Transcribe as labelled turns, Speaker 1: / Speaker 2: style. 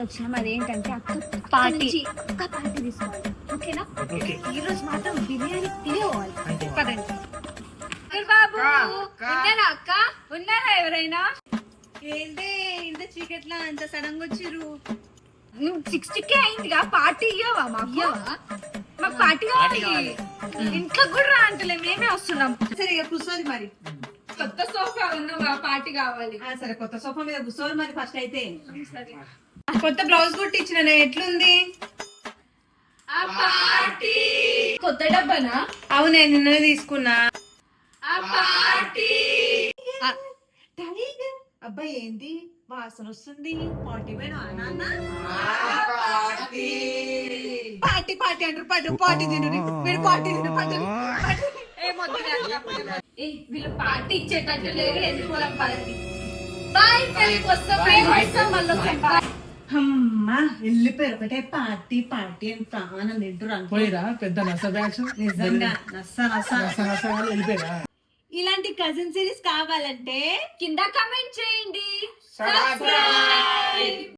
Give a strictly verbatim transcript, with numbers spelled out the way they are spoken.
Speaker 1: వచ్చినాం. అదేంటంటే అక్క పార్టీ అక్క పార్టీ తీసుకోవాలి. ఓకేనా? ఈ రోజు మాత్రం బిర్యానీ తినేవాలి. పదండి. బాబు ఉన్నారా అక్క? ఉన్నారా ఎవరైనా? ఏంటి ఇంత చీకట్లా అంత సడన్ గా వచ్చిర్రు? నువ్వు సిక్స్టీకే అయిందిగా, పార్టీ ఇయ్యవా? మాకు మాకు పార్టీ కావాలి. ఇంట్లో కూడా రా అంటలే, మేమే వస్తున్నాం.
Speaker 2: సరే ఇక కూర్చోది మరి.
Speaker 1: కొత్త సోఫా ఉన్నావా? పార్టీ కావాలి.
Speaker 2: సరే కొత్త సోఫా మీద కూర్చోదు మరి ఫస్ట్ అయితే.
Speaker 1: కొత్త బ్లౌజ్ కుట్టించిన ఎట్లుంది? కొత్త డబ్బానా?
Speaker 2: అవునే నిన్ననే తీసుకున్నా. అబ్బాయి ఏంది వాసన వస్తుంది? పార్టీ పోయినా నాన్న? పార్టీ పార్టీ అంటారు, పట్టు పార్టీ తిను, మీరు పార్టీ తిను, పట్టు.
Speaker 1: వీళ్ళు పార్టీ ఇచ్చేటట్టు లేరు. వెళ్ళిపోదాం పదండి. బాయ్, వస్తాం మళ్ళీ.
Speaker 2: అమ్మా వెళ్ళిపోయారు. ఒకటే పార్టీ పార్టీ అని ప్రాణం తింటారు
Speaker 3: పోయిరా పెద్ద నస బ్యాచ్.
Speaker 2: నిజంగా నస్స నస్స
Speaker 3: నస నస వాళ్ళు వెళ్ళిపోయిరా.
Speaker 2: ఇలాంటి కజిన్ సిరీస్ కావాలంటే
Speaker 1: కింద కమెంట్ చేయండి.